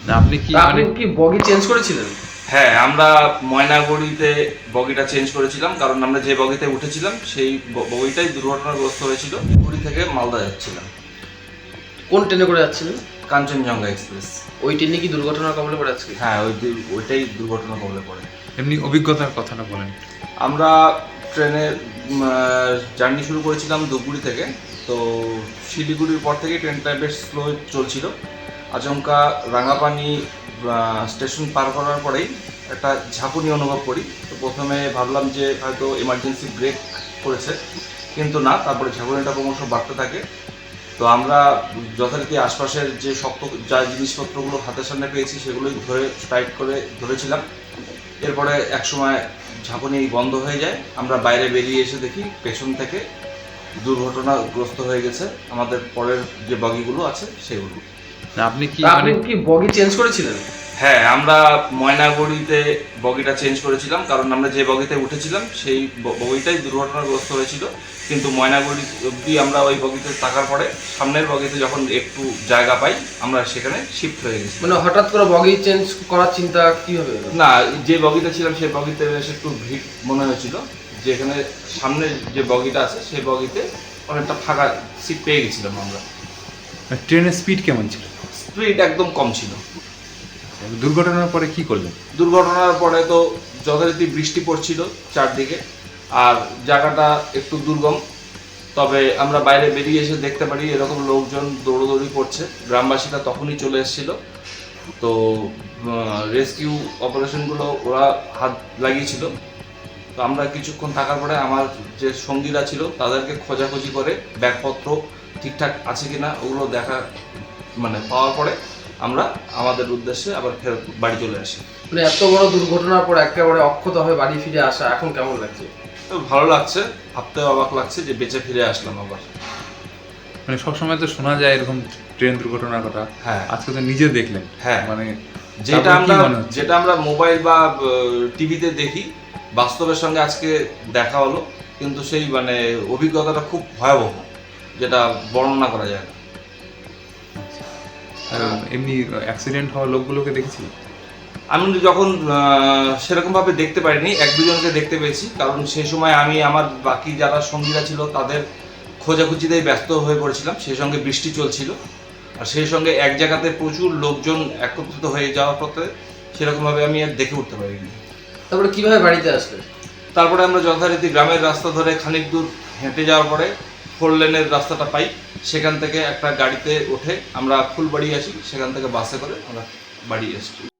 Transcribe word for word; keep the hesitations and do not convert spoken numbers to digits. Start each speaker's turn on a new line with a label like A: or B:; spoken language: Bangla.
A: না আপনি কি
B: আপনি
A: মানে
B: কি বগি চেঞ্জ করেছিলেন?
C: হ্যাঁ, আমরা ময়নাগুড়িতে বগিটা চেঞ্জ করেছিলাম, কারণ আমরা যে বগিতে উঠেছিলাম সেই ব- বগিটাই দুর্ঘটনাগ্রস্ত হয়েছিল। পুরী থেকে মালদা যাচ্ছিলাম,
B: কোন ট্রেনে করে যাচ্ছিলেন?
C: কাঞ্চনজঙ্ঘা এক্সপ্রেস।
B: ওই ট্রেনে কি দুর্ঘটনার কবলে পড়ে আজকে?
C: হ্যাঁ, ওই দু- ওইটাই দুর্ঘটনা কবলে পড়ে।
A: এমনি অভিজ্ঞতার কথাটা বলেন।
C: আমরা ট্রেনে জার্নি শুরু করেছিলাম ধূপগুড়ি থেকে। তো শিলিগুড়ির পর থেকে ট্রেনটা বেশ স্লো চলছিল। আচমকা রাঙাপানি স্টেশন পার করার পরেই একটা ঝাঁকুনি অনুভব করি। তো প্রথমে ভাবলাম যে হয়তো এমার্জেন্সি ব্রেক করেছে, কিন্তু না, তারপরে ঝাঁকুনিটা ক্রমশ বাড়তে থাকে। তো আমরা যথারীতি আশপাশের যে শক্ত যা জিনিসপত্রগুলো হাতের সামনে পেয়েছি সেগুলোই ধরে টাইট করে ধরেছিলাম। এরপরে একসময় ঝাঁকুনি বন্ধ হয়ে যায়, আমরা বাইরে বেরিয়ে এসে দেখি পেছন থেকে দুর্ঘটনাগ্রস্ত হয়ে গেছে আমাদের পরের যে বগিগুলো আছে সেগুলো।
A: না আপনি কি
B: আপনি
A: মানে
B: কি বগি চেঞ্জ করেছিলেন?
C: হ্যাঁ, আমরা ময়নাগুড়িতে বগিটা চেঞ্জ করেছিলাম, কারণ আমরা যে বগিতে উঠেছিলাম সেই ব- বগিটাই দুর্ঘটনাগ্রস্ত হয়েছিল। কিন্তু ময়নাগুড়ি অবধি আমরা ওই বগিতে থাকার পরে সামনের বগিতে যখন একটু জায়গা পাই আমরা সেখানে শিফট হয়ে গেছি।
B: মানে হঠাৎ করে বগি চেঞ্জ করার চিন্তা কিভাবে এলো?
C: না, যে বগিতে ছিলাম সেই বগিতে বেশ একটু ভিড় মনে হয়েছিল, যেখানে সামনে যে বগিটা আছে সেই বগিতে অনেকটা ফাঁকা সিট পেয়ে গেছিলাম আমরা।
A: ট্রেনের স্পিড কেমন ছিল?
C: স্পিড একদম কম ছিল।
A: দুর্ঘটনার পরে কি করলেন?
C: দুর্ঘটনার পরে তো যথারীতি বৃষ্টি পড়ছিল চারদিকে, আর জায়গাটা একটু দুর্গম। তবে আমরা বাইরে বেরিয়ে এসে দেখতে পারি এরকম লোকজন দৌড়োদৌড়ি করছে। গ্রামবাসীরা তখনই চলে এসেছিল। তো রেস্কিউ অপারেশনগুলো ওরা হাত লাগিয়েছিল। তো আমরা কিছুক্ষণ থাকার পরে আমার যে সঙ্গীরা ছিল তাদেরকে খোঁজাখুঁজি করে ব্যাগপত্র ঠিকঠাক আছে কিনা ওগুলো দেখা মানে পাওয়ার পরে আমরা আমাদের উদ্দেশ্যে আবার ফেরত বাড়ি চলে আসি।
B: মানে এত বড় দুর্ঘটনার পর একেবারে অক্ষত হয়ে বাড়ি ফিরে আসা এখন কেমন লাগছে?
C: তো ভালো লাগছে, ভাবতে অবাক লাগছে যে বেঁচে ফিরে আসলাম আবার।
A: মানে সবসময় তো শোনা যায় এরকম ট্রেন দুর্ঘটনার কথা,
C: হ্যাঁ
A: আজকে তো নিজে দেখলেন।
C: হ্যাঁ,
A: মানে
C: যেটা
A: তারপরে কি
C: আমরা
A: মনে হচ্ছে?
C: যেটা আমরা মোবাইল বা টিভিতে দেখি, বাস্তবের সঙ্গে আজকে দেখা হলো, কিন্তু সেই মানে অভিজ্ঞতাটা খুব ভয়াবহ, যেটা বর্ণনা করা যায় না।
A: আর এমনি অ্যাক্সিডেন্ট হওয়া লোকগুলোকে দেখেছি।
C: আমি যখন আহ, সেরকমভাবে দেখতে পারিনি, এক দুজনকে দেখতে পেয়েছি, কারণ সেই সময় আমি আমার বাকি যারা সঙ্গীরা ছিল তাদের খোঁজাখুঁজিতেই ব্যস্ত হয়ে পড়েছিলাম। সেই সঙ্গে বৃষ্টি চলছিল, আর সেই সঙ্গে এক জায়গাতে প্রচুর লোকজন একত্রিত হয়ে যাওয়ার পথে সেরকমভাবে আমি আর দেখে উঠতে পারিনি।
B: তারপরে কিভাবে বাড়িতে আসলেন?
C: তারপরে আমরা যথারীতি গ্রামের রাস্তা ধরে খানিক দূর হেঁটে যাওয়ার পরে ফোর লেনের রাস্তাটা পাই, সেখান থেকে একটা গাড়িতে উঠে আমরা ফুলবাড়ি আসি, সেখান থেকে বাসে করে আমরা বাড়ি এসেছি।